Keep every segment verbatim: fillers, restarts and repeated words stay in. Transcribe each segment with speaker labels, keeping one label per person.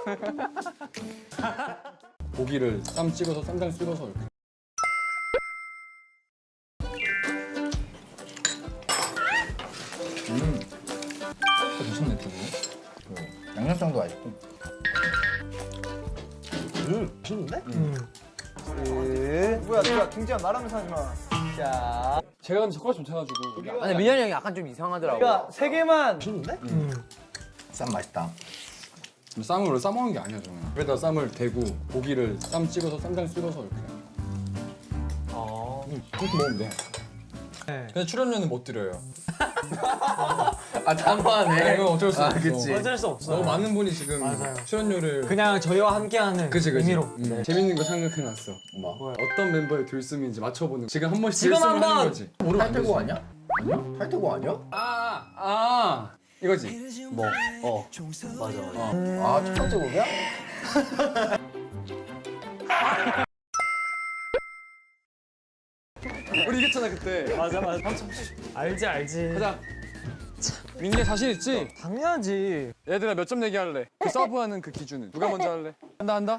Speaker 1: 고기를 쌈 찍어서 쌈장 찍어서 이렇게. 음, 맛있네 두부.
Speaker 2: 그 양념장도 맛있고.
Speaker 3: 음, 맛있는데?
Speaker 2: 음.
Speaker 3: 뭐야, 누가 김지현 나라면서 하지 마. 자,
Speaker 1: 제가 근데 젓가락 좀 쳐가지고.
Speaker 4: 아니 민현이 형이 약간 좀 이상하더라고.
Speaker 3: 그러니까 세 개만. 맛있는데?
Speaker 2: 쌈 맛있다.
Speaker 1: 쌈을 원래 싸먹는 게 아니야 저는. 여기다 쌈을 대고 고기를 쌈 찍어서 쌈장 찍어서 이렇게.
Speaker 3: 어.
Speaker 1: 음, 그렇게 먹으면 돼.
Speaker 3: 네.
Speaker 1: 근데 출연료는 못 드려요.
Speaker 4: 아 단호하네.
Speaker 1: 이건 어쩔 수
Speaker 4: 아,
Speaker 1: 없어.
Speaker 4: 그치.
Speaker 3: 어쩔 수 없어.
Speaker 1: 너무 많은 분이 지금
Speaker 3: 맞아요.
Speaker 1: 출연료를.
Speaker 3: 그냥 저희와 함께하는
Speaker 1: 그치 그치.
Speaker 3: 의미로.
Speaker 1: 음.
Speaker 3: 네.
Speaker 1: 재밌는 거 생각해놨어.
Speaker 2: 뭐?
Speaker 1: 어떤 멤버의 들숨인지 맞춰보는 거. 지금 한 번씩
Speaker 3: 지금
Speaker 1: 들숨을 하는
Speaker 3: 한번!
Speaker 1: 거지. 모르면 안 되지.
Speaker 2: 탈퇴고 아니야? 아니야? 탈퇴고 아니야?
Speaker 1: 아, 아 이거지.
Speaker 3: 뭐? 어. 맞아, 맞아.
Speaker 2: 아, 첫 번째 곡이야?
Speaker 1: 우리 이겼잖아 그때.
Speaker 3: 맞아, 맞아. 알지, 알지.
Speaker 1: 가자. 민재 자신 있지?
Speaker 3: 당연하지.
Speaker 1: 얘들아 몇 점 내기 할래? 그 서브하는 그 기준은 누가 먼저 할래? 한다 한다.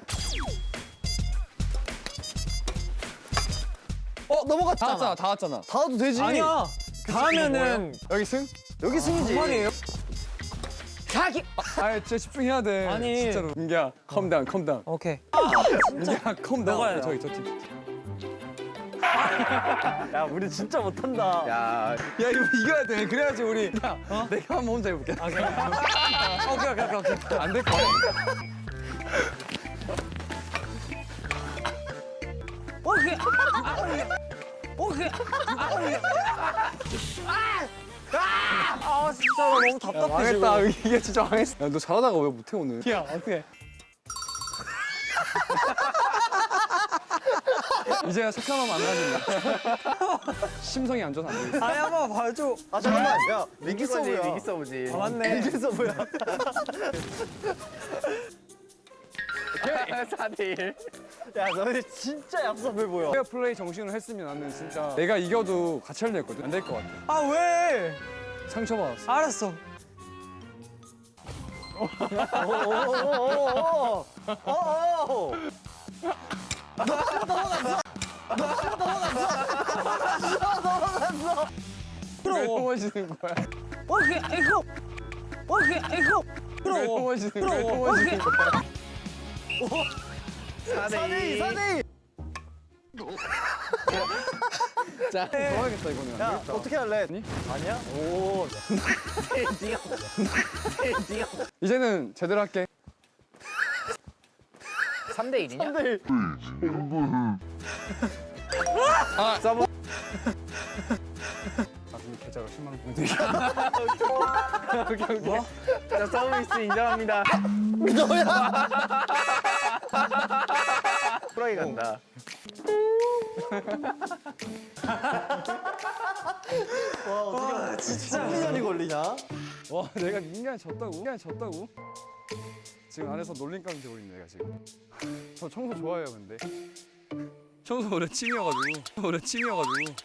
Speaker 3: 어,
Speaker 1: 다
Speaker 3: 넘어갔잖아.
Speaker 1: 왔잖아 다 왔잖아.
Speaker 3: 다 와도 되지. 아니야. 다 하면은
Speaker 1: 여기 승?
Speaker 3: 여기 승이지. 말이에요. 자기.
Speaker 1: 아 진짜 집중해야 돼.
Speaker 3: 아니.
Speaker 1: 진짜로. 민기야 컴다운 컴다운.
Speaker 3: 오케이.
Speaker 1: 민기야 컴다운.
Speaker 3: 너가 해라.
Speaker 1: 저기 저 팀.
Speaker 3: 야, 우리 진짜 못한다.
Speaker 2: 야,
Speaker 1: 야 이거 이겨야 돼. 그래야지 우리. 야 어? 내가 한번 혼자 해볼게.
Speaker 3: 오케이. 오케이, 오케이, 오케이, 오케이.
Speaker 1: 안 될 거야.
Speaker 3: 오케이. 오케이. 오케이. 아, 진짜 나 너무 답답해.
Speaker 1: 망했다.
Speaker 3: 지금.
Speaker 1: 이게 진짜 망했어. 야, 너 잘하다가 왜 못해 오늘?
Speaker 3: 야, 어떻게?
Speaker 1: 이제 착함하면 안 가진다. 심성이 안 좋아서 안 되겠어.
Speaker 3: 아니, 한번 봐줘. 아, 잠깐만. 야,
Speaker 2: 위기 서브야. 위기 서브지.
Speaker 3: 아, 맞네.
Speaker 2: 위기 서브야. 사 대 일.
Speaker 3: 야, 너네 진짜 얍삽해 보여.
Speaker 1: 페어 플레이 정신으로 했으면 나는 진짜 내가 이겨도 같이 할려 했거든. 안 될 것 같아.
Speaker 3: 아, 왜?
Speaker 1: 상처받았어.
Speaker 3: 알았어. 오오오오오오. 오오.
Speaker 1: 왜 넘어지는 거야?
Speaker 3: 오케이, 이거. 오케이, 이거.
Speaker 1: 왜 넘어지는 거야? 왜
Speaker 3: 오케이.
Speaker 1: 넘어지는 거야?
Speaker 2: 사 대 이.
Speaker 3: 사 대 이.
Speaker 1: 자, 좋아하겠다 이거는.
Speaker 3: 야, 어떻게 할래?
Speaker 1: 아니?
Speaker 3: 아니야? 오.
Speaker 1: 이제는 제대로 할게.
Speaker 4: 삼 대 일이냐?
Speaker 3: 삼 대 일.
Speaker 1: 아, 서브. 아, 근데 계좌가 십만 원 보내드릴게.
Speaker 2: 오케이, 오케이. 자, 서비스 인정합니다. 프라이 간다.
Speaker 3: 와, 진짜 일 년이 걸리냐?
Speaker 1: 와, 내가 인간 졌다고? 인간 졌다고? 지금 안에서 놀림감이 돼버리네, 내가 지금. 저 청소 좋아해요, 근데. 청소 원래 취미여가지고. 원래 취미여가지고.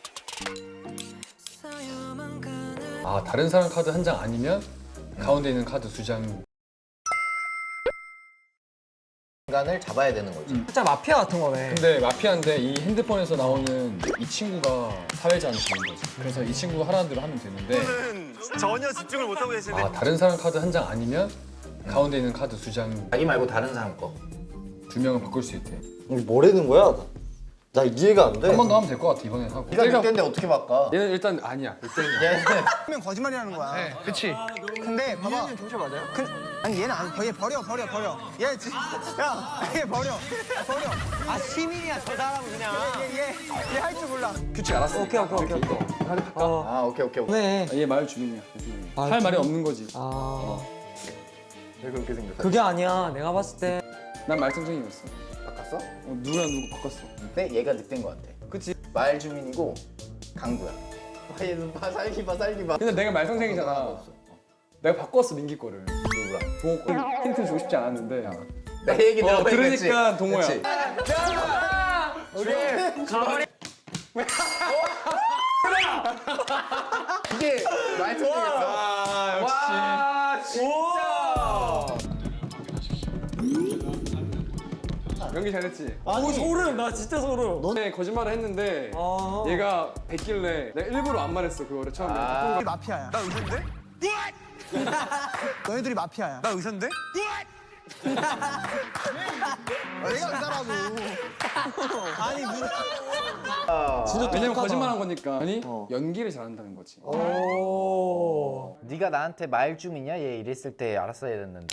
Speaker 1: 아, 다른 사람 카드 한 장 아니면 가운데 있는 카드 두 장.
Speaker 2: 인간을 잡아야 되는 거지.
Speaker 3: 진짜 마피아 같은 거네.
Speaker 1: 근데 마피아인데 이 핸드폰에서 나오는 이 친구가 사회자는 되는 거지. 그래서 이 친구가 하라는 대로 하면 되는데.
Speaker 5: 전혀 집중을 못하고 계시는데.
Speaker 1: 아, 다른 사람 카드 한 장 아니면 가운데 있는 카드 두 장,
Speaker 2: 자기 말고 다른 사람 거.
Speaker 1: 두 명을 바꿀 수 있대.
Speaker 6: 이게 뭐라는 거야? 나 이해가 안 돼.
Speaker 1: 한 번 더 하면 될 것 같아, 이번엔 하고.
Speaker 2: 네가 늑대인데 어떻게 바꿔?
Speaker 1: 얘는 일단 아니야. 일단은.
Speaker 2: 얘는
Speaker 7: 면 거짓말이라는 거야.
Speaker 1: 네.
Speaker 2: 그치.
Speaker 7: 근데 봐봐. 경찰 맞아요? 그, 아니 얘는 안, 얘 버려 버려 버려. 얘 지, 야, 얘 버려 버려.
Speaker 3: 아, 시민이야, 저 사람은 그냥.
Speaker 7: 얘얘얘 할 줄 몰라.
Speaker 1: 규칙 알았어.
Speaker 3: 오케이, 오케이, 오케이, 오케이. 어.
Speaker 2: 아, 오케이, 오케이, 오케이.
Speaker 3: 네.
Speaker 1: 얘 말 주민이야. 주민이.
Speaker 3: 아,
Speaker 1: 할 말이
Speaker 3: 주민?
Speaker 1: 없는 거지.
Speaker 3: 아,
Speaker 2: 왜 그렇게 생겼어?
Speaker 3: 그게 아니야. 내가 봤을 때.
Speaker 1: 난 말썽쟁이였어.
Speaker 2: 바꿨어?
Speaker 1: 어, 누구랑 누구 바꿨어.
Speaker 2: 근데 얘가 늑대인 것 같아.
Speaker 1: 그치?
Speaker 2: 말 주민이고 강구야. 와, 얘는 봐, 살기 봐, 살기 봐.
Speaker 1: 근데 내가 말썽쟁이잖아.
Speaker 2: 없어.
Speaker 1: 내가 바꿨어, 민기 거를.
Speaker 2: 누구랑?
Speaker 1: 동호 거. 힌트 주고 싶지 않았는데.
Speaker 2: 내 얘기
Speaker 1: 어,
Speaker 2: 들어보니까
Speaker 1: 들으니까
Speaker 2: 그치?
Speaker 1: 동호야.
Speaker 2: 그치? 이게 말투겠어.
Speaker 1: 아, 역시.
Speaker 2: 와, 진짜.
Speaker 1: 연기 잘했지?
Speaker 3: 아니
Speaker 8: 소름 나 진짜 소름.
Speaker 1: 너네 거짓말을 했는데
Speaker 3: 어.
Speaker 1: 얘가 뱉길래 내가 일부러 안 말했어 그거를 처음에 바꾼
Speaker 7: 너희 마피아야.
Speaker 5: 나 의사인데?
Speaker 7: 너희들이 마피아야.
Speaker 5: 나 의사인데?
Speaker 7: 내가 의사라고. 아니 문.
Speaker 6: 진짜
Speaker 1: 왜냐면
Speaker 6: 똑똑하다.
Speaker 1: 거짓말한 거니까 아니
Speaker 6: 어.
Speaker 1: 연기를 잘한다는 거지
Speaker 3: 오.
Speaker 4: 네가 나한테 말 좀 있냐? 얘 이랬을 때 알았어야 됐는데.